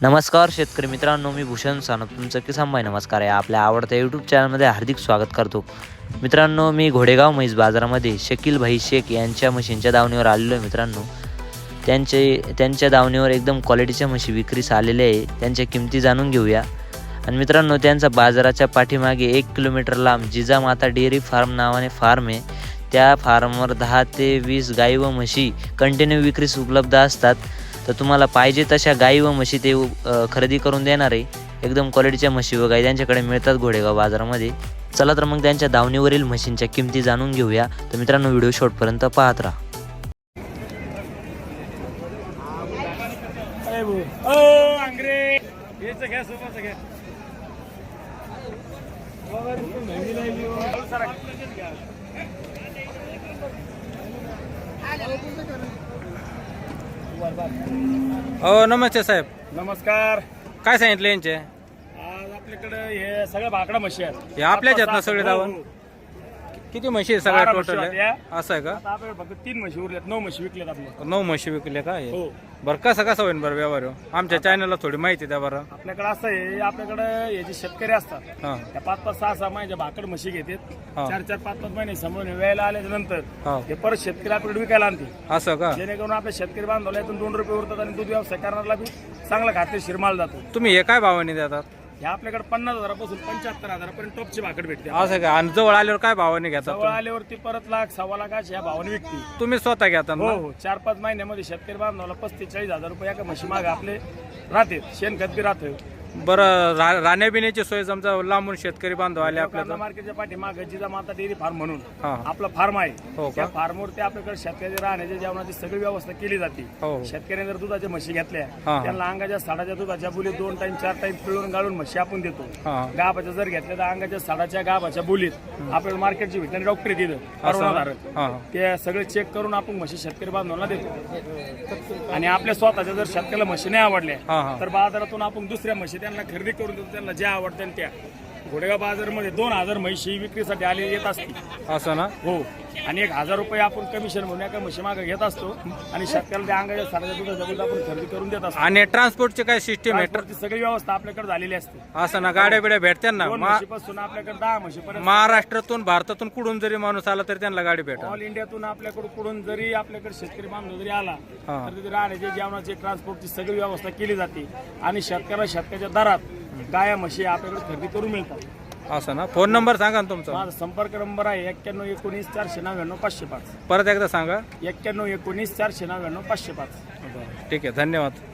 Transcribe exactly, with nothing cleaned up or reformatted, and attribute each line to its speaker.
Speaker 1: नमस्कार शेतकरी मित्रांनो, मी भूषण सानप तुमचं किसान भाई नमस्कार आहे. आपल्या आवडत्या यूट्यूब चॅनलमध्ये हार्दिक स्वागत करतो. मित्रांनो, मी घोडेगाव म्हैस बाजारामध्ये शकील भाई शेख यांच्या म्हशींच्या दावणीवर आलेलो आहे. मित्रांनो, त्यांचे त्यांच्या दावणीवर एकदम क्वालिटीच्या म्हशी विक्रीस आलेल्या आहे. त्यांच्या किमती जाणून घेऊया. आणि मित्रांनो, त्यांचा बाजाराच्या पाठीमागे एक किलोमीटर लांब जिजामाता डेअरी फार्म नावाने फार्म आहे. त्या फार्मवर दहा ते वीस गाई व म्हशी कंटिन्यू विक्रीस उपलब्ध असतात. तर तुम्हाला पाहिजे तशा गाई व म्हशी ते खरेदी करून देणार आहे. एकदम क्वालिटीच्या म्हशी व गाई त्यांच्याकडे मिळतात घोडेगाव बाजारामध्ये. चला तर मग त्यांच्या दावणीवरील म्हशींच्या किमती जाणून घेऊया. तर मित्रांनो, व्हिडिओ शेवटपर्यंत पाहत राहा.
Speaker 2: हो नमस्ते साहेब.
Speaker 3: नमस्कार.
Speaker 2: काय सांगितलं यांचे?
Speaker 3: आज आपल्याकडे हे सगळ्या भाकडा म्हशी आहेत.
Speaker 2: हे आपल्याच आहेत ना सगळे दावण?
Speaker 3: हो, हो.
Speaker 2: किती म्हशी आहे सगळ्या
Speaker 3: बारा
Speaker 2: टोटल
Speaker 3: म्हशी
Speaker 2: आहे?
Speaker 3: आहेत
Speaker 2: असं आहे का?
Speaker 3: आता आपल्याकडे फक्त तीन म्हशी उरल्यात, नऊ म्हशी विकल्यात आपल्या.
Speaker 2: नऊ म्हशी विकले का हे?
Speaker 3: हो.
Speaker 2: बरं कसं कसं होईल बरं व्यवहार हो? आमच्या चॅनलला थोडी माहिती द्या बरं.
Speaker 3: आपल्याकडे असं आहे, आपल्याकडे हे जे शेतकरी असतात
Speaker 2: हां
Speaker 3: त्या पाच पाच सहा सहा महिन्याच्या भाकड म्हशी घेतात.
Speaker 2: हा.
Speaker 3: चार चार पाच पाच महिने समोरून वेळेला आल्याच्या नंतर
Speaker 2: हां
Speaker 3: हे परत शेतकरी आपल्याकडे विकायला आणते.
Speaker 2: असं का?
Speaker 3: जेणेकरून आपल्या शेतकरी बांधवला यातून दोन रुपये उरतात आणि दूध व्यवसाय करणारा बी चांगला खात्रीशीर माल जातो.
Speaker 2: तुम्ही हे काय भावाने देतात?
Speaker 3: हे आपल्याकडे पन्नास हजारापासून पंच्याहत्तर हजारापर्यंत टॉपची भाकड भेटते.
Speaker 2: असं का? आणि जवळ आल्यावर काय भावाने घेतात
Speaker 3: जवळ
Speaker 2: तुम्ही?
Speaker 3: आल्यावरती परत लाख सव्वा लाख अशी या भावाने विकते.
Speaker 2: तुम्ही स्वतः घेता
Speaker 3: हो
Speaker 2: ना?
Speaker 3: हो. चार पाच महिन्यामध्ये शेतकरी बांधवाला पस्तीस चाळीस हजार रुपये एका म्हशी मागे आपले राहते. शेणखत बी राहतं.
Speaker 2: बरं रा- राहण्याबिण्याची सोय समजा लांबून शेतकरी बांधव आले आपल्याला?
Speaker 3: मार्केटच्या पाठीमागे जिजामाता डेअरी फार्म म्हणून
Speaker 2: हां
Speaker 3: आपलं फार्म आहे.
Speaker 2: हो का?
Speaker 3: त्या फार्मवरती आपल्याकडे शेतकरी राहण्याच्या जेवणाची सगळी व्यवस्था केली जाते.
Speaker 2: हो
Speaker 3: शेतकऱ्याने जर दुधाच्या म्हशी घेतल्या
Speaker 2: हां.
Speaker 3: त्यांना अंगाच्या साडाच्या दुधाच्या बोलीत दोन टाइम चार टाइम पिळून गाळून म्हशी आपण देतो.
Speaker 2: हां
Speaker 3: गाभाच्या जर घेतल्या तर अंगाच्या साडाच्या गाभाच्या बोलीत आपल्याला मार्केटची भेटणारी डॉक्टर तिथं
Speaker 2: असं?
Speaker 3: परवानाधारक
Speaker 2: हां
Speaker 3: ते सगळे चेक करून आपण म्हशी शेतकरी बांधवांना देतो. आणि आपल्या स्वतःच्या जर शेतकऱ्याला म्हशी नाही आवडल्या
Speaker 2: हां हां
Speaker 3: तर बाजारातून आपण दुसऱ्या म्हशी त्यांना खरेदी करून देतो. त्यांना ज्या आवडत्या त्या घोडेगाव बाजारामध्ये दोन हजार म्हशी विक्रीसाठी आले येत असतील.
Speaker 2: असं ना?
Speaker 3: हो. आणि एक हजार रुपये आपण कमिशन म्हणून एका म्हशी मागे घेत असतो आणि शेतकऱ्याला त्या अंगाच्या साऱ्या दुधाच्या दूध आपण खरेदी करून देत असतो.
Speaker 2: आणि ट्रान्सपोर्टची काय सिस्टीम आहे?
Speaker 3: ट्रान्सपोर्टची सगळी व्यवस्था आपल्याकडे झालेली असते.
Speaker 2: असं ना? गाड्या बिड्या भेटत्या ना?
Speaker 3: दोन
Speaker 2: मा-
Speaker 3: म्हशीपासून आपल्याकडे दहा म्हशीपर्यंत
Speaker 2: महाराष्ट्रातून भारतातून कुठून जरी माणूस आला तरी त्यांना गाडी भेटेल?
Speaker 3: ऑल इंडियातून आपल्याकडे कुठून जरी आपल्याकडे शेतकरी बांधव जरी आला
Speaker 2: हां.
Speaker 3: तर तिथे राहण्याची जेवणाची ट्रान्सपोर्टची सगळी व्यवस्था केली जाते आणि शेतकऱ्याला शेतकऱ्याच्या दरात गाया म्हशी आपल्याकडे खरेदी करून मिळतात.
Speaker 2: असं ना? फोन नंबर सांगा ना तुमचा.
Speaker 3: माझा संपर्क नंबर आहे एक्क्याण्णव एकोणीस चारशे नव्याण्णव पाचशे पाच.
Speaker 2: परत एकदा सांगा.
Speaker 3: एक्क्याण्णव एकोणीस चारशे नव्याण्णव पाचशे पाच.
Speaker 2: ठीक आहे, धन्यवाद.